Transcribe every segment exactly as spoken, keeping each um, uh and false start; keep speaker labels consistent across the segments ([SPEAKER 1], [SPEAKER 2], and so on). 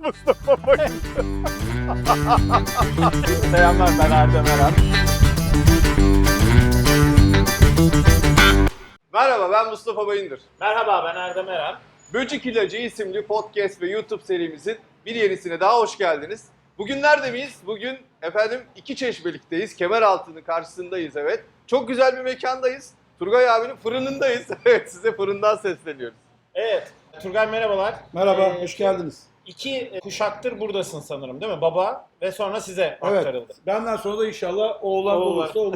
[SPEAKER 1] Mustafa Bayındır. Selamlar, ben Erdem Eren. Merhaba, ben Mustafa Bayındır.
[SPEAKER 2] Merhaba, ben Erdem Eren.
[SPEAKER 1] Böcek İlacı isimli podcast ve YouTube serimizin bir yenisine daha hoş geldiniz. Bugün nerede miyiz? Bugün efendim iki Çeşmelik'teyiz. Kemeraltı'nın karşısındayız, evet. Çok güzel bir mekandayız. Turgay abinin fırınındayız. Evet, size fırından sesleniyoruz.
[SPEAKER 2] Evet, Turgay merhabalar.
[SPEAKER 3] Merhaba,
[SPEAKER 2] Ee,
[SPEAKER 3] hoş geldiniz.
[SPEAKER 2] İki kuşaktır buradasın sanırım değil mi? Baba ve sonra size
[SPEAKER 3] Evet,
[SPEAKER 2] aktarıldı.
[SPEAKER 3] benden sonra da inşallah oğlan
[SPEAKER 2] Oğullar.
[SPEAKER 3] olursa olur.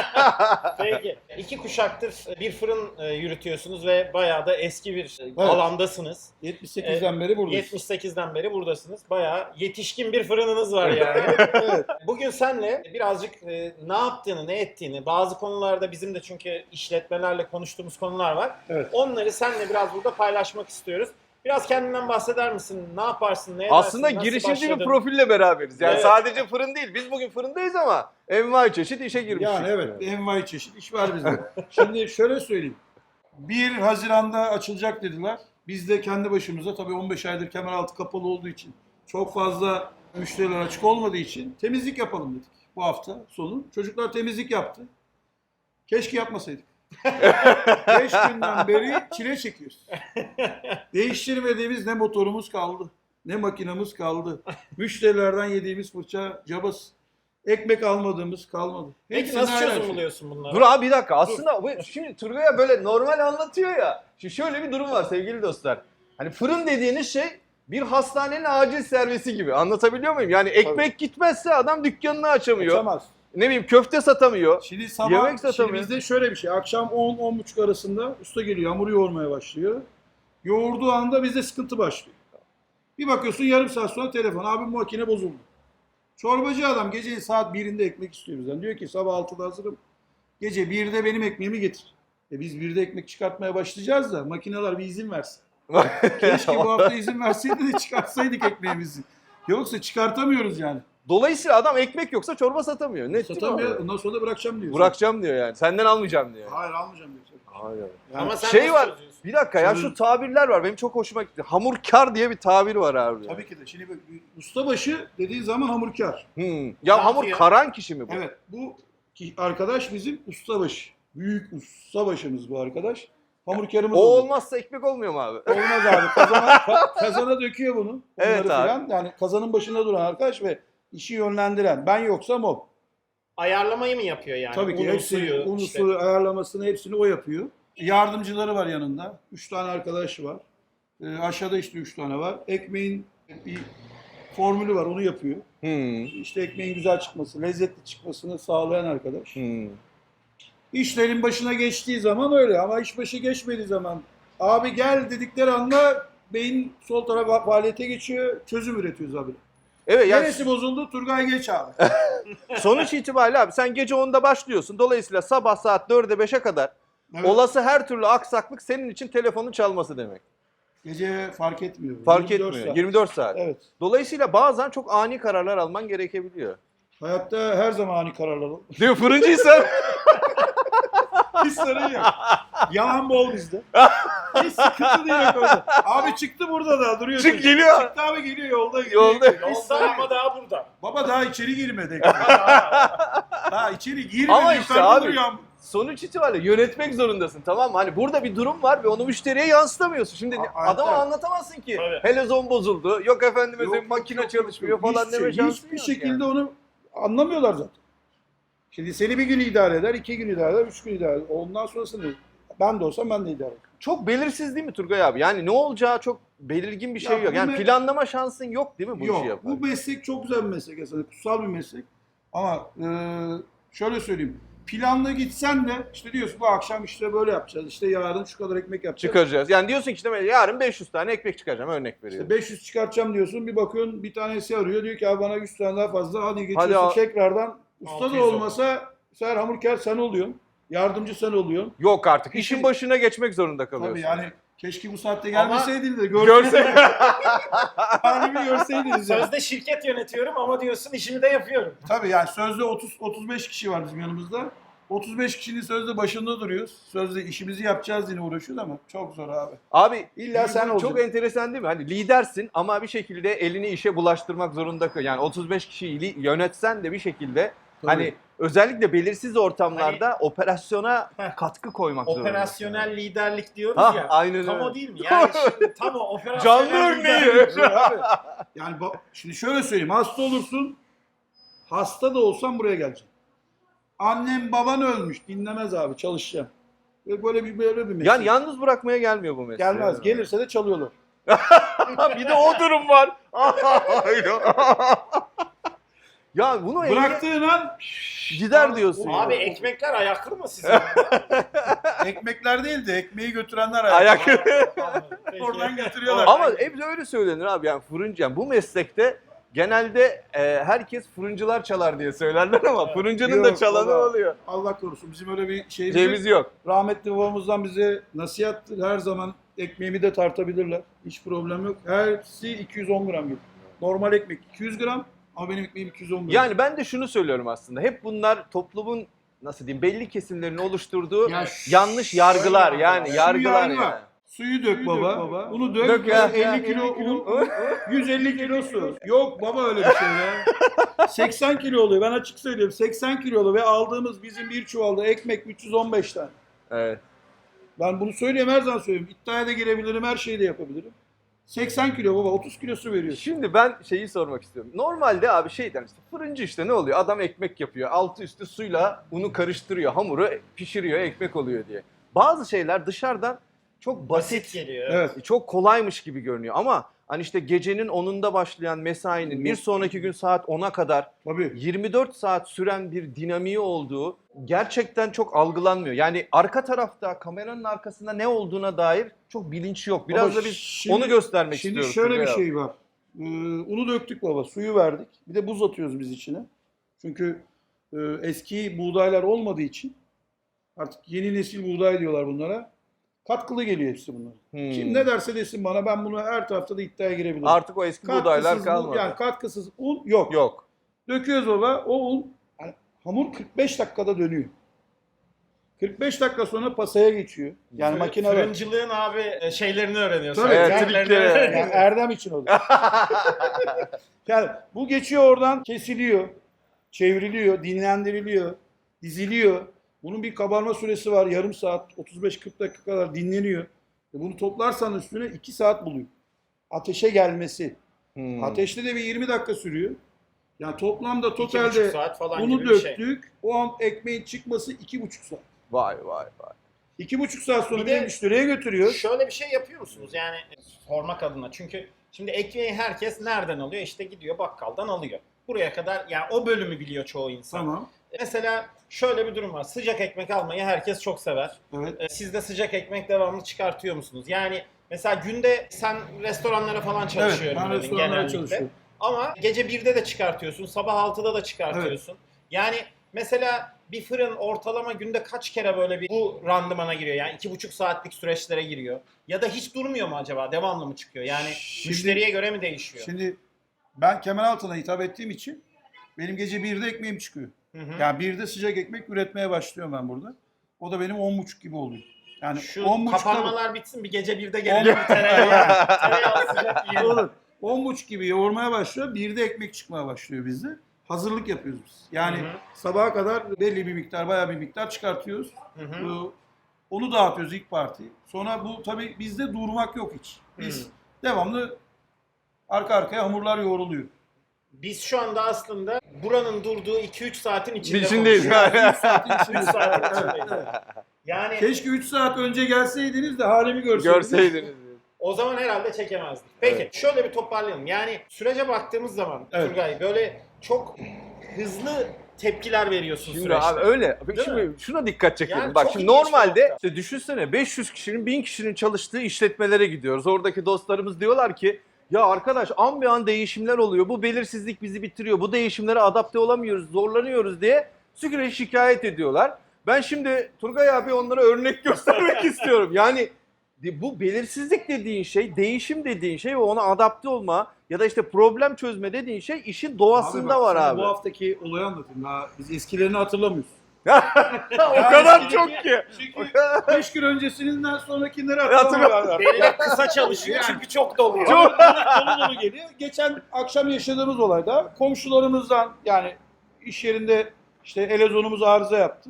[SPEAKER 2] Peki, iki kuşaktır bir fırın e, yürütüyorsunuz ve bayağı da eski bir
[SPEAKER 3] Evet.
[SPEAKER 2] alandasınız.
[SPEAKER 3] yetmiş sekizden beri buradayız.
[SPEAKER 2] yetmiş sekizden beri buradasınız. Bayağı yetişkin bir fırınınız var yani.
[SPEAKER 3] Evet.
[SPEAKER 2] Bugün senle birazcık e, ne yaptığını, ne ettiğini, bazı konularda bizim de çünkü işletmelerle konuştuğumuz konular var.
[SPEAKER 3] Evet.
[SPEAKER 2] Onları seninle biraz burada paylaşmak istiyoruz. Biraz kendinden bahseder misin? Ne yaparsın? Ne
[SPEAKER 1] Aslında
[SPEAKER 2] edersin? Nasıl
[SPEAKER 1] girişimci bir
[SPEAKER 2] başladın?
[SPEAKER 1] profille beraberiz. Yani
[SPEAKER 2] Evet.
[SPEAKER 1] sadece fırın değil. Biz bugün fırındayız ama envai çeşit işe girmişiz.
[SPEAKER 3] Yani evet, envai çeşit iş var bizde. Şimdi şöyle söyleyeyim. bir Haziran'da açılacak dediler. Biz de kendi başımıza tabii on beş aydır Kemeraltı kapalı olduğu için, çok fazla müşteriler açık olmadığı için temizlik yapalım dedik bu hafta sonu. Çocuklar temizlik yaptı. Keşke yapmasaydık. Beş günden beri çile çekiyoruz. Değiştirmediğimiz ne motorumuz kaldı, ne makinamız kaldı. Müşterilerden yediğimiz fırça cabası. Ekmek almadığımız kalmadı.
[SPEAKER 2] Peki
[SPEAKER 3] Hepsinin
[SPEAKER 2] nasıl
[SPEAKER 3] ayrı
[SPEAKER 2] çözüm
[SPEAKER 3] şey.
[SPEAKER 2] buluyorsun bunları?
[SPEAKER 1] Dur abi bir dakika. Aslında bu, şimdi Turgay'a böyle normal anlatıyor ya. Şimdi şöyle bir durum var sevgili dostlar. Hani fırın dediğiniz şey bir hastanenin acil servisi gibi. Anlatabiliyor muyum? Yani ekmek
[SPEAKER 3] Tabii.
[SPEAKER 1] gitmezse adam dükkanını açamıyor.
[SPEAKER 3] Açamaz.
[SPEAKER 1] Ne bileyim köfte satamıyor.
[SPEAKER 3] Şimdi sabah,
[SPEAKER 1] Yemek
[SPEAKER 3] şimdi
[SPEAKER 1] satamıyor.
[SPEAKER 3] bizde şöyle bir şey. Akşam on on buçuk arasında usta geliyor, hamur yoğurmaya başlıyor. Yoğurduğu anda bizde sıkıntı başlıyor. Bir bakıyorsun yarım saat sonra telefon. Abi bu makine bozuldu. Çorbacı adam gecenin saat birinde ekmek istiyor bizden. Diyor ki sabah altıda hazırım. Gece birde benim ekmeğimi getir. E biz birde ekmek çıkartmaya başlayacağız da makineler bir izin versin. Keşke bu hafta izin verseydi de çıkartsaydık ekmeğimizi. Yoksa çıkartamıyoruz yani.
[SPEAKER 1] Dolayısıyla adam ekmek yoksa çorba satamıyor. Net değil mi
[SPEAKER 3] Satamıyor.
[SPEAKER 1] abi?
[SPEAKER 3] Ondan sonra da bırakacağım diyor.
[SPEAKER 1] Bırakacağım diyor yani. Senden almayacağım diyor.
[SPEAKER 3] Hayır almayacağım diyor.
[SPEAKER 1] Hayır.
[SPEAKER 3] Yani
[SPEAKER 2] Ama sen
[SPEAKER 1] Şey
[SPEAKER 2] nasıl
[SPEAKER 1] var.
[SPEAKER 2] çözüyorsun?
[SPEAKER 1] Bir dakika ya şu tabirler var. Benim çok hoşuma gitti. Hamurkar diye bir tabir var abi.
[SPEAKER 3] Tabii ki de. Şimdi bak, ustabaşı dediğin zaman hamurkar.
[SPEAKER 1] Hmm. Ya
[SPEAKER 2] Ne
[SPEAKER 1] hamur
[SPEAKER 2] yapıyor?
[SPEAKER 1] karan kişi mi bu?
[SPEAKER 3] Evet. Bu ki arkadaş bizim ustabaşı. Büyük ustabaşımız bu arkadaş. Hamurkarımız
[SPEAKER 1] O
[SPEAKER 3] olur.
[SPEAKER 1] olmazsa ekmek olmuyor mu abi?
[SPEAKER 3] Olmaz abi. Kazana, ka- kazana döküyor bunu. Bunları
[SPEAKER 1] Evet abi.
[SPEAKER 3] filan. Yani kazanın başında duran arkadaş ve işi yönlendiren. Ben yoksam o.
[SPEAKER 2] Ayarlamayı mı yapıyor yani?
[SPEAKER 3] Tabii ki
[SPEAKER 2] Unu,
[SPEAKER 3] hepsini,
[SPEAKER 2] suyu,
[SPEAKER 3] unu,
[SPEAKER 2] işte.
[SPEAKER 3] suyu ayarlamasını hepsini o yapıyor. Yardımcıları var yanında. Üç tane arkadaş var. Ee, aşağıda işte üç tane var. Ekmeğin bir formülü var, onu yapıyor.
[SPEAKER 1] Hmm.
[SPEAKER 3] İşte ekmeğin güzel çıkması, lezzetli çıkmasını sağlayan arkadaş.
[SPEAKER 1] Hmm.
[SPEAKER 3] İşlerin başına geçtiği zaman öyle ama iş başı geçmediği zaman abi gel dedikleri anda beyin sol tarafa faaliyete geçiyor, çözüm üretiyoruz abi.
[SPEAKER 1] Evet yani
[SPEAKER 3] Neresi bozuldu? Turgay geç abi.
[SPEAKER 1] sonuç itibariyle abi sen gece onda başlıyorsun. Dolayısıyla sabah saat dörde beşe kadar
[SPEAKER 3] Evet.
[SPEAKER 1] olası her türlü aksaklık senin için telefonun çalması demek.
[SPEAKER 3] Gece fark etmiyor.
[SPEAKER 1] Fark
[SPEAKER 3] yirmi dört
[SPEAKER 1] etmiyor.
[SPEAKER 3] saat.
[SPEAKER 1] yirmi dört saat.
[SPEAKER 3] Evet.
[SPEAKER 1] Dolayısıyla bazen çok ani kararlar alman gerekebiliyor.
[SPEAKER 3] Hayatta her zaman ani kararlar olur.
[SPEAKER 1] Değil mi? Fırıncıysan
[SPEAKER 3] Hiç sorun yok. Yalan bol bizde. Hiç sıkıntı değil o konuda. Abi çıktı burada da duruyor.
[SPEAKER 1] çık
[SPEAKER 3] çocuk.
[SPEAKER 1] geliyor.
[SPEAKER 3] Çıktı abi geliyor yolda. Geliyor.
[SPEAKER 1] Yolda.
[SPEAKER 3] Hiç sorun
[SPEAKER 2] Yolda
[SPEAKER 3] yok.
[SPEAKER 2] ama daha burada.
[SPEAKER 3] Baba daha içeri girmedi. Daha içeri girmedi.
[SPEAKER 1] Ama işte
[SPEAKER 3] yukarıda
[SPEAKER 1] abi,
[SPEAKER 3] duruyor.
[SPEAKER 1] sonuç itibariyle yönetmek zorundasın, tamam mı? Hani burada bir durum var ve onu müşteriye yansıtamıyorsun. Şimdi
[SPEAKER 3] A-
[SPEAKER 1] adama
[SPEAKER 3] hatta-
[SPEAKER 1] anlatamazsın ki.
[SPEAKER 2] Tabii.
[SPEAKER 1] Helezon bozuldu. Yok efendime
[SPEAKER 3] Yok,
[SPEAKER 1] söyleyeyim makine
[SPEAKER 3] yok, yok,
[SPEAKER 1] çalışmıyor
[SPEAKER 3] yok.
[SPEAKER 1] falan
[SPEAKER 3] Hiçbir
[SPEAKER 1] deme
[SPEAKER 3] şey,
[SPEAKER 1] şansın
[SPEAKER 3] Hiçbir
[SPEAKER 1] yok
[SPEAKER 3] şekilde
[SPEAKER 1] yani.
[SPEAKER 3] onu anlamıyorlar zaten. Şimdi seni bir gün idare eder, iki gün idare eder, üç gün idare eder. Ondan sonrasını ben de olsam ben de idare ederim.
[SPEAKER 1] Çok belirsiz değil mi Turgay abi? Yani ne olacağı çok belirgin bir şey
[SPEAKER 3] Ya
[SPEAKER 1] yok.
[SPEAKER 3] bu
[SPEAKER 1] Yani
[SPEAKER 3] me-
[SPEAKER 1] planlama şansın yok değil mi bu işi
[SPEAKER 3] Yok,
[SPEAKER 1] yaparken?
[SPEAKER 3] bu meslek çok güzel bir meslek aslında, kutsal bir meslek. Ama e, şöyle söyleyeyim, planlı gitsen de işte diyorsun bu akşam işte böyle yapacağız, işte yarın şu kadar ekmek yapacağız.
[SPEAKER 1] Çıkaracağız. Yani diyorsun ki işte yarın beş yüz tane ekmek çıkaracağım, örnek veriyorum.
[SPEAKER 3] İşte beş yüz çıkartacağım diyorsun, bir bakıyorsun bir tanesi arıyor, diyor ki abi bana yüz tane daha fazla, hadi geçiyorsun
[SPEAKER 1] al-
[SPEAKER 3] tekrardan. Usta
[SPEAKER 2] altı
[SPEAKER 3] da
[SPEAKER 2] yüz
[SPEAKER 3] olmasa sen hamurkar sen oluyorsun, yardımcı sen oluyorsun.
[SPEAKER 1] Yok artık.
[SPEAKER 3] İşi-
[SPEAKER 1] İşin başına geçmek zorunda kalıyorsun.
[SPEAKER 3] Tabii yani keşke bu saatte
[SPEAKER 2] Ama-
[SPEAKER 3] gelmeseydin de
[SPEAKER 1] Görse
[SPEAKER 3] görseydin. Halimi görseydiniz yani.
[SPEAKER 2] Sözde şirket yönetiyorum ama diyorsun işimi de yapıyorum.
[SPEAKER 3] Tabii yani sözde otuz otuz beş kişi var bizim yanımızda. otuz beş kişinin sözde başında duruyoruz. Sözde işimizi yapacağız yine uğraşıyoruz ama çok zor abi.
[SPEAKER 1] Abi
[SPEAKER 3] İlla sen
[SPEAKER 1] çok
[SPEAKER 3] olacaksın.
[SPEAKER 1] enteresan değil mi? Hani lidersin ama bir şekilde elini işe bulaştırmak zorunda kal. Yani otuz beş kişiyi li- yönetsen de bir şekilde
[SPEAKER 3] Tabii.
[SPEAKER 1] hani özellikle belirsiz ortamlarda operasyona
[SPEAKER 2] Heh.
[SPEAKER 1] katkı koymak zorunda.
[SPEAKER 2] Operasyonel liderlik diyoruz
[SPEAKER 1] Ha,
[SPEAKER 2] ya.
[SPEAKER 1] aynen
[SPEAKER 2] Tam
[SPEAKER 1] öyle.
[SPEAKER 2] o değil mi? Yani şimdi tam o operasyonel
[SPEAKER 1] Canlı örneği.
[SPEAKER 2] liderlik.
[SPEAKER 3] Abi, yani bak, şimdi şöyle söyleyeyim. Hasta olursun. Hasta da olsan buraya geleceksin. Annem baban ölmüş. Dinlemez abi. Çalışacağım. Ve böyle bir böyle bir meslek.
[SPEAKER 1] Yani yalnız bırakmaya gelmiyor bu mesele.
[SPEAKER 3] Gelmez. Gelirse de çalıyorlar.
[SPEAKER 1] Bir de o durum var. Ya bunu
[SPEAKER 3] Bıraktığın an
[SPEAKER 1] gider diyorsun.
[SPEAKER 2] Abi
[SPEAKER 1] ya.
[SPEAKER 2] ekmekler ayaklı mı sizin?
[SPEAKER 3] ekmekler değil de ekmeği götürenler
[SPEAKER 1] Ayak.
[SPEAKER 2] Peki.
[SPEAKER 3] Oradan götürüyorlar.
[SPEAKER 1] Ama hep öyle söylenir abi yani fırıncı. Yani bu meslekte genelde e, herkes fırıncılar çalar diye söylerler ama
[SPEAKER 2] Evet.
[SPEAKER 1] fırıncının da
[SPEAKER 3] Yok,
[SPEAKER 1] çalanı
[SPEAKER 3] baba.
[SPEAKER 1] oluyor.
[SPEAKER 3] Allah korusun. Bizim öyle bir şeyimiz
[SPEAKER 1] Ceviz
[SPEAKER 3] yok.
[SPEAKER 1] yok.
[SPEAKER 3] Rahmetli babamızdan bize nasihattır. Her zaman ekmeğimi de tartabilirler. Hiç problem yok. Hepsi iki yüz on gram gibi. Normal ekmek iki yüz gram ama benim ekmeğim iki yüz on gram.
[SPEAKER 1] Yani ben de şunu söylüyorum aslında. Hep bunlar toplumun nasıl diyeyim belli kesimlerin oluşturduğu
[SPEAKER 3] Ya
[SPEAKER 1] yanlış yargılar
[SPEAKER 2] şöyle
[SPEAKER 1] yani
[SPEAKER 3] Şu
[SPEAKER 1] yargılar
[SPEAKER 3] yargı var.
[SPEAKER 1] yani.
[SPEAKER 3] Suyu dök baba. Bunu dök.
[SPEAKER 1] Dök ya.
[SPEAKER 3] elli kilo un, yüz elli kilo su. Yok baba öyle bir şey ya. seksen kilo oluyor. Ben açık söylüyorum. seksen kilo oluyor ve aldığımız bizim bir çuvalda ekmek üç yüz on beş tane.
[SPEAKER 1] Evet.
[SPEAKER 3] Ben bunu söylüyorum her zaman söylüyorum. İddiaya da girebilirim, her şeyi de yapabilirim. seksen kilo baba, otuz kilo su veriyor.
[SPEAKER 1] Şimdi ben şeyi sormak istiyorum. Normalde abi şeyden işte fırıncı işte ne oluyor? Adam ekmek yapıyor. Altı üstü suyla unu karıştırıyor. Hamuru pişiriyor, ekmek oluyor diye. Bazı şeyler dışarıdan çok basit,
[SPEAKER 2] Basit geliyor.
[SPEAKER 3] Evet.
[SPEAKER 1] çok kolaymış gibi görünüyor ama hani işte gecenin onunda başlayan mesainin bir sonraki gün saat ona kadar
[SPEAKER 3] Tabii.
[SPEAKER 1] yirmi dört saat süren bir dinamiği olduğu gerçekten çok algılanmıyor. Yani arka tarafta kameranın arkasında ne olduğuna dair çok bilinç yok. Biraz
[SPEAKER 3] Baba
[SPEAKER 1] da biz
[SPEAKER 3] şimdi-
[SPEAKER 1] onu göstermek
[SPEAKER 3] Şimdi
[SPEAKER 1] istiyoruz.
[SPEAKER 3] şöyle bir
[SPEAKER 1] Turgay abi.
[SPEAKER 3] şey var. Ee, unu döktük baba, suyu verdik. Bir de buz atıyoruz biz içine. Çünkü e, eski buğdaylar olmadığı için artık yeni nesil buğday diyorlar bunlara. Katkılı geliyor hepsi bunlar.
[SPEAKER 1] Hmm.
[SPEAKER 3] Kim ne derse desin bana, ben bunu her tarafta da iddiaya girebilirim.
[SPEAKER 1] Artık o eski buğdaylar
[SPEAKER 3] Katkısız bu-
[SPEAKER 1] kalmadı.
[SPEAKER 3] Yani katkısız un yok.
[SPEAKER 1] Yok.
[SPEAKER 3] Döküyoruz baba. O un, yani hamur kırk beş dakikada dönüyor. kırk beş dakika sonra pasaya geçiyor. Yani
[SPEAKER 2] Fırın-
[SPEAKER 3] makine var.
[SPEAKER 2] Fırıncılığın abi e, şeylerini öğreniyorsun.
[SPEAKER 3] Tabii,
[SPEAKER 1] Evet,
[SPEAKER 2] Triklerini
[SPEAKER 1] trikleri.
[SPEAKER 2] öğreniyorsun.
[SPEAKER 3] Yani Erdem için oluyor. Yani bu geçiyor oradan, kesiliyor, çevriliyor, dinlendiriliyor, diziliyor. Bunun bir kabarma süresi var. Yarım saat, otuz beş kırk dakika kadar dinleniyor. E bunu toplarsan üstüne iki saat buluyor. Ateşe gelmesi.
[SPEAKER 1] Hmm.
[SPEAKER 3] Ateşte de bir yirmi dakika sürüyor. Yani toplamda
[SPEAKER 2] İki buçuk
[SPEAKER 3] totalde
[SPEAKER 2] saat falan
[SPEAKER 3] bunu
[SPEAKER 2] gibi bir şey.
[SPEAKER 3] döktük. O an ekmeğin çıkması iki buçuk saat.
[SPEAKER 1] Vay vay vay.
[SPEAKER 3] İki buçuk saat sonra
[SPEAKER 2] Bir
[SPEAKER 3] bir
[SPEAKER 2] de-
[SPEAKER 3] de müşteriye götürüyor.
[SPEAKER 2] Şöyle bir şey yapıyor musunuz yani sormak adına? Çünkü şimdi ekmeği herkes nereden alıyor? İşte gidiyor bakkaldan alıyor. Buraya kadar yani o bölümü biliyor çoğu insan.
[SPEAKER 3] Tamam.
[SPEAKER 2] Mesela şöyle bir durum var. Sıcak ekmek almayı herkes çok sever.
[SPEAKER 3] Evet.
[SPEAKER 2] Ee, Siz de sıcak ekmek devamlı çıkartıyor musunuz? Yani mesela günde sen restoranlara falan
[SPEAKER 3] Evet,
[SPEAKER 2] çalışıyorum
[SPEAKER 3] ben
[SPEAKER 2] dedin
[SPEAKER 3] restoranlara
[SPEAKER 2] genellikle.
[SPEAKER 3] çalışıyorum.
[SPEAKER 2] Ama gece birde de çıkartıyorsun, sabah altıda da çıkartıyorsun. Yani mesela bir fırın ortalama günde kaç kere böyle bir bu randımana giriyor? Yani iki buçuk saatlik süreçlere giriyor. Ya da hiç durmuyor mu acaba? Devamlı mı çıkıyor? Yani
[SPEAKER 3] Şimdi-
[SPEAKER 2] müşteriye göre mi değişiyor?
[SPEAKER 3] Şimdi ben Kemeraltı'na hitap ettiğim için benim gece birde ekmeğim çıkıyor.
[SPEAKER 2] Hı hı.
[SPEAKER 3] Yani birde sıcak ekmek üretmeye başlıyorum ben burada. O da benim on buçuk gibi oluyor. Yani
[SPEAKER 2] Şu
[SPEAKER 3] on buçukta
[SPEAKER 2] kapanmalar bitsin bir gece birde gelelim bir tereyağı. Tereyağı sıcak yiyelim.
[SPEAKER 3] olur. on buçuk gibi yoğurmaya başlıyor. Birde ekmek çıkmaya başlıyor bizde. Hazırlık yapıyoruz biz. Yani
[SPEAKER 2] Hı hı.
[SPEAKER 3] sabaha kadar belli bir miktar, bayağı bir miktar çıkartıyoruz.
[SPEAKER 2] Hı hı.
[SPEAKER 3] Ee, Onu dağıtıyoruz ilk parti. Sonra bu tabii bizde durmak yok hiç. Biz
[SPEAKER 2] Hı.
[SPEAKER 3] devamlı arka arkaya hamurlar yoğruluyor.
[SPEAKER 2] Biz şu anda aslında buranın durduğu iki üç saatin içinde
[SPEAKER 1] İçindeyiz.
[SPEAKER 2] konuşuyoruz.
[SPEAKER 3] üç saatin içinde.
[SPEAKER 2] üç saatin içindeyiz. Yani
[SPEAKER 3] Keşke üç saat önce gelseydiniz de halimi görseydiniz.
[SPEAKER 1] Görseydiniz.
[SPEAKER 2] o zaman herhalde çekemezdik. Peki
[SPEAKER 1] Evet.
[SPEAKER 2] şöyle bir toparlayalım. Yani sürece baktığımız zaman
[SPEAKER 3] Evet.
[SPEAKER 2] Turgay böyle çok hızlı tepkiler veriyorsun
[SPEAKER 1] Şimdi
[SPEAKER 2] süreçte.
[SPEAKER 1] abi öyle. Peki
[SPEAKER 2] Değil
[SPEAKER 1] şimdi şuna dikkat çekelim.
[SPEAKER 2] Yani
[SPEAKER 1] Bak
[SPEAKER 2] çok
[SPEAKER 1] şimdi
[SPEAKER 2] ilginç bir
[SPEAKER 1] normalde
[SPEAKER 2] nokta.
[SPEAKER 1] işte düşünsene beş yüz kişinin bin kişinin çalıştığı işletmelere gidiyoruz. Oradaki dostlarımız diyorlar ki ya arkadaş an bir an değişimler oluyor. Bu belirsizlik bizi bitiriyor. Bu değişimlere adapte olamıyoruz, zorlanıyoruz diye sürekli şikayet ediyorlar. Ben şimdi Turgay abi onlara örnek göstermek istiyorum. Yani bu belirsizlik dediğin şey, değişim dediğin şey ve ona adapte olma ya da işte problem çözme dediğin şey işin doğasında
[SPEAKER 3] bak,
[SPEAKER 1] var
[SPEAKER 3] sana
[SPEAKER 1] abi.
[SPEAKER 3] Bu haftaki olayı anlatayım. Daha biz eskilerini hatırlamıyoruz.
[SPEAKER 1] O kadar çok ki.
[SPEAKER 3] Çünkü beş gün öncesinden sonrakileri
[SPEAKER 1] Hatırlamıyorum.
[SPEAKER 3] hatırlamıyorlar.
[SPEAKER 2] Benim kısa çalışıyor çünkü çok doluyor.
[SPEAKER 3] Çok dolu dolu geliyor. Geçen akşam yaşadığımız olayda komşularımızdan, yani iş yerinde işte elezonumuz arıza yaptı.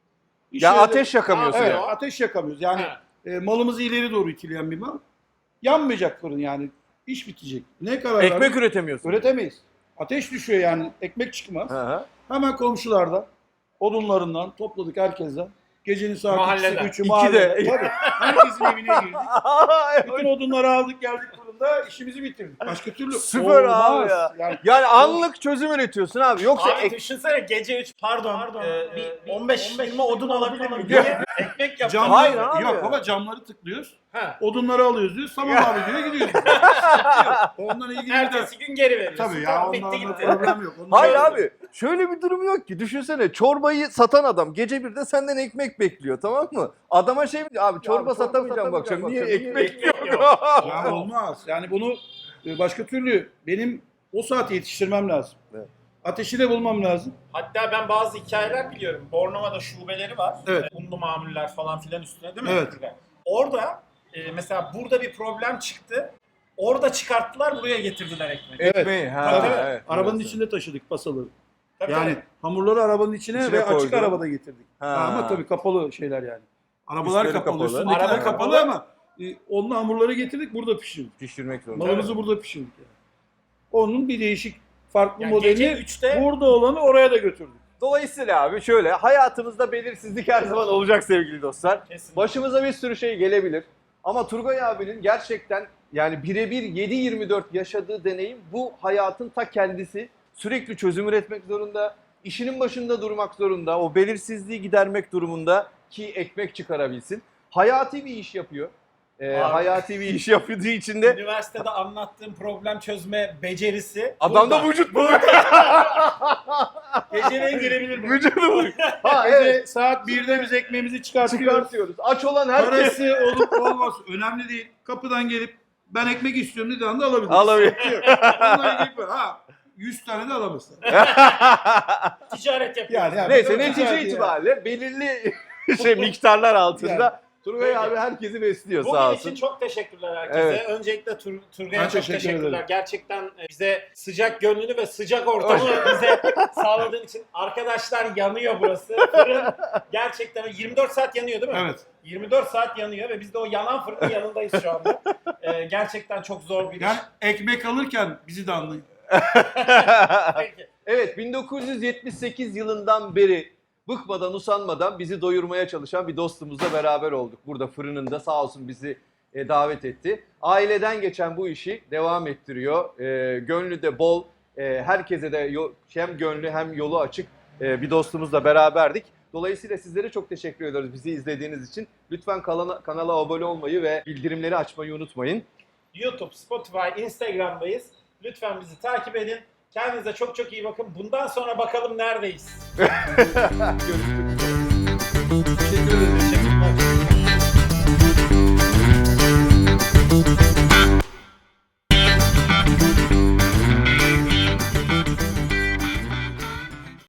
[SPEAKER 3] İş
[SPEAKER 1] Ya
[SPEAKER 3] yerinde-
[SPEAKER 1] ateş yakamıyorsun
[SPEAKER 3] Evet,
[SPEAKER 1] ya.
[SPEAKER 3] ateş yakamıyoruz. Yani
[SPEAKER 2] Ha.
[SPEAKER 3] e, malımızı ileri doğru itileyen bir mal. Yanmayacak fırın yani. İş bitecek. Ne karar
[SPEAKER 1] Ekmek
[SPEAKER 3] verdik?
[SPEAKER 1] üretemiyorsun.
[SPEAKER 3] Üretemeyiz. Ateş düşüyor yani. Ekmek çıkmaz.
[SPEAKER 1] Hı hı.
[SPEAKER 3] Hemen komşulardan, odunlarından topladık herkesten. Gecenin saat
[SPEAKER 2] Mahalleden.
[SPEAKER 3] ikisi, üçü
[SPEAKER 1] İki
[SPEAKER 3] mahallede.
[SPEAKER 1] de.
[SPEAKER 3] Tabii. Herkesin evine girdik.
[SPEAKER 1] Aa,
[SPEAKER 3] Bütün odunları aldık geldik fırında işimizi bitirdik. Başka türlü
[SPEAKER 1] Süper
[SPEAKER 3] olmaz.
[SPEAKER 1] abi ya.
[SPEAKER 3] Yani
[SPEAKER 1] Yani anlık çözüm üretiyorsun abi. Yoksa
[SPEAKER 2] Abi
[SPEAKER 1] ek-
[SPEAKER 2] düşünsene gece üç pardon,
[SPEAKER 4] Pardon,
[SPEAKER 2] e,
[SPEAKER 4] bir-
[SPEAKER 2] bir
[SPEAKER 4] bir
[SPEAKER 2] on beş
[SPEAKER 4] on beş
[SPEAKER 2] yirmi odun alabilir miyim
[SPEAKER 4] alabilir
[SPEAKER 2] diye ekmek yapacağım.
[SPEAKER 3] camları,
[SPEAKER 1] Hayır abi.
[SPEAKER 3] yok baba camları tıklıyoruz.
[SPEAKER 2] Ha.
[SPEAKER 3] Odunları alıyoruz diyor. Tamam abi diyor gidiyoruz. Sıkıntı yok. Ondan ilgili bir de.
[SPEAKER 2] Ertesi gün geri veriyorsun.
[SPEAKER 3] Tabii ya
[SPEAKER 2] Tamam,
[SPEAKER 3] ondan
[SPEAKER 2] bitti
[SPEAKER 3] da
[SPEAKER 2] gitti.
[SPEAKER 3] problem yok. Ondan
[SPEAKER 1] Hayır
[SPEAKER 3] sonra-
[SPEAKER 1] abi şöyle bir durum yok ki. Düşünsene çorbayı satan adam gece birde senden ekmek bekliyor, tamam mı? Adama şey mi diyor? Abi çorba
[SPEAKER 3] çorba
[SPEAKER 1] satamayacağım bu akşam.
[SPEAKER 3] satamayacağım
[SPEAKER 1] Niye
[SPEAKER 3] bu akşam,
[SPEAKER 1] ekmek
[SPEAKER 2] niye
[SPEAKER 1] yok?
[SPEAKER 3] Ya olmaz. Yani bunu e, başka türlü benim o saate yetiştirmem lazım.
[SPEAKER 1] Evet.
[SPEAKER 3] Ateşi de bulmam lazım.
[SPEAKER 2] Hatta ben bazı hikayeler biliyorum. Bornova'da şubeleri var.
[SPEAKER 3] Evet.
[SPEAKER 2] Unlu mamuller falan filan üstüne değil mi?
[SPEAKER 3] Evet.
[SPEAKER 2] Orada e, mesela burada bir problem çıktı. Orada çıkarttılar, buraya getirdiler ekmeği.
[SPEAKER 3] Evet.
[SPEAKER 1] Ekmeği, ha,
[SPEAKER 2] Tabii, tabii.
[SPEAKER 1] evet.
[SPEAKER 3] Arabanın
[SPEAKER 1] Evet.
[SPEAKER 3] içinde taşıdık pasaları.
[SPEAKER 2] Tabii,
[SPEAKER 3] Yani
[SPEAKER 2] tabii.
[SPEAKER 3] hamurları arabanın içine,
[SPEAKER 1] İçine
[SPEAKER 3] ve açık
[SPEAKER 1] koydun.
[SPEAKER 3] arabada getirdik.
[SPEAKER 1] Ha.
[SPEAKER 3] Ama tabii kapalı şeyler yani. Arabalar
[SPEAKER 1] Üstleri
[SPEAKER 3] kapalı,
[SPEAKER 1] kapalı.
[SPEAKER 3] üstündekiler
[SPEAKER 2] Araba
[SPEAKER 3] kapalı,
[SPEAKER 2] kapalı.
[SPEAKER 3] ama e, onun hamurları getirdik, burada pişirdik.
[SPEAKER 1] Pişirmek zorunda.
[SPEAKER 3] Malımızı burada pişirdik yani. Onun bir değişik, farklı
[SPEAKER 2] Yani gece
[SPEAKER 3] modeli
[SPEAKER 2] üçte
[SPEAKER 3] burada olanı oraya da götürdük.
[SPEAKER 1] Dolayısıyla abi şöyle, hayatımızda belirsizlik her zaman olacak sevgili dostlar.
[SPEAKER 2] kesin.
[SPEAKER 1] Başımıza bir sürü şey gelebilir. Ama Turgay abinin gerçekten yani birebir yedi yirmi dört yaşadığı deneyim bu hayatın ta kendisi. Sürekli çözüm üretmek zorunda, işinin başında durmak zorunda, o belirsizliği gidermek durumunda ki ekmek çıkarabilsin. Hayati bir iş yapıyor. Ee,
[SPEAKER 2] Abi.
[SPEAKER 1] hayati bir iş yaptığı için de
[SPEAKER 2] Üniversitede anlattığım problem çözme becerisi.
[SPEAKER 1] adamda
[SPEAKER 2] burada.
[SPEAKER 1] vücut bu.
[SPEAKER 2] Geceleyin girebilir mi?
[SPEAKER 1] Vücudu bu. Ha
[SPEAKER 3] Gece
[SPEAKER 1] evet.
[SPEAKER 3] saat birde biz ekmeğimizi çıkartıyoruz.
[SPEAKER 1] Çıkartıyoruz. Aç olan herkes
[SPEAKER 3] Parası olup olması önemli değil. Kapıdan gelip ben ekmek istiyorum dediği anda alabilir.
[SPEAKER 1] alabilir.
[SPEAKER 3] Onunla ilgili böyle, ha yüz tane de alamazsın.
[SPEAKER 2] Ticaret yapıyoruz.
[SPEAKER 3] Yani, yani
[SPEAKER 1] Neyse
[SPEAKER 3] çok
[SPEAKER 1] netice
[SPEAKER 3] güzeldi
[SPEAKER 1] itibariyle belirli şey miktarlar altında
[SPEAKER 3] Yani.
[SPEAKER 1] Turgay
[SPEAKER 2] Peki.
[SPEAKER 1] abi herkesi besliyor
[SPEAKER 2] Bugün
[SPEAKER 1] sağ
[SPEAKER 2] için
[SPEAKER 1] olsun.
[SPEAKER 2] çok teşekkürler herkese.
[SPEAKER 1] Evet.
[SPEAKER 2] Öncelikle Tur Turgay'a
[SPEAKER 3] Ben
[SPEAKER 2] çok
[SPEAKER 3] teşekkür
[SPEAKER 2] teşekkürler.
[SPEAKER 3] ederim.
[SPEAKER 2] Gerçekten e, bize sıcak gönlünü ve sıcak ortamı bize sağladığın için. Arkadaşlar yanıyor burası. Fırın gerçekten yirmi dört saat yanıyor değil mi?
[SPEAKER 3] Evet.
[SPEAKER 2] yirmi dört saat yanıyor ve biz de o yanan fırının yanındayız şu anda. Ee, gerçekten çok zor bir iş.
[SPEAKER 3] Yani ekmek alırken bizi de anlayın.
[SPEAKER 2] Peki.
[SPEAKER 1] Evet bin dokuz yüz yetmiş sekiz yılından beri bıkmadan usanmadan bizi doyurmaya çalışan bir dostumuzla beraber olduk. Burada fırınında sağ olsun bizi e, davet etti. Aileden geçen bu işi devam ettiriyor. E, gönlü de bol. E, herkese de yo- hem gönlü hem yolu açık e, bir dostumuzla beraberdik. Dolayısıyla sizlere çok teşekkür ediyoruz bizi izlediğiniz için. Lütfen kanala, kanala abone olmayı ve bildirimleri açmayı unutmayın.
[SPEAKER 2] YouTube, Spotify, Instagram'dayız. Lütfen bizi takip edin. Kendinize çok çok iyi bakın. Bundan sonra bakalım neredeyiz.
[SPEAKER 1] Görüşmek üzere.
[SPEAKER 3] Teşekkür ederim.
[SPEAKER 2] Teşekkürler.